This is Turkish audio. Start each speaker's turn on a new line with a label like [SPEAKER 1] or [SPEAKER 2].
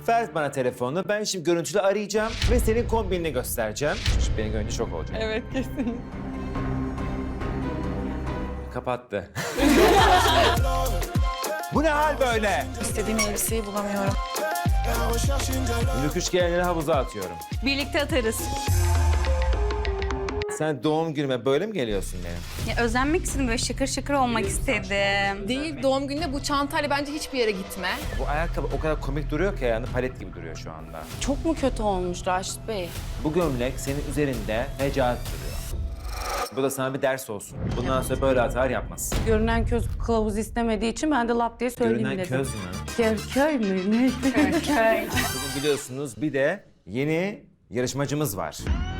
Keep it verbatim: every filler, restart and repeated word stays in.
[SPEAKER 1] Ver bana telefonunu. Ben şimdi görüntülü arayacağım ve senin kombinini göstereceğim. Çocuk beni görünce şok olacak.
[SPEAKER 2] Evet kesin.
[SPEAKER 1] Kapattı. Bu ne hal böyle?
[SPEAKER 2] İstediğim elbiseyi bulamıyorum.
[SPEAKER 1] Lüküş gelenleri havuza atıyorum.
[SPEAKER 3] Birlikte atarız.
[SPEAKER 1] Sen doğum günüme böyle mi geliyorsun benim?
[SPEAKER 3] Ya özenmek istedim, böyle şıkır şıkır olmak istedim.
[SPEAKER 2] Değil, doğum gününe bu çantayla bence hiçbir yere gitme.
[SPEAKER 1] Bu ayakkabı o kadar komik duruyor ki ayağında palet gibi duruyor şu anda.
[SPEAKER 4] Çok mu kötü olmuş Raşit Bey?
[SPEAKER 1] Bu gömlek senin üzerinde fecaat duruyor. Bu da sana bir ders olsun. Bundan sonra böyle hatalar yapmasın.
[SPEAKER 4] Görünen köz kılavuz istemediği için ben de lap diye söyleyeyim
[SPEAKER 1] Görünen
[SPEAKER 4] dedim.
[SPEAKER 1] köz mü?
[SPEAKER 4] Köy, köy mü? Ne?
[SPEAKER 3] Köy.
[SPEAKER 1] Bugün biliyorsunuz bir de yeni yarışmacımız var.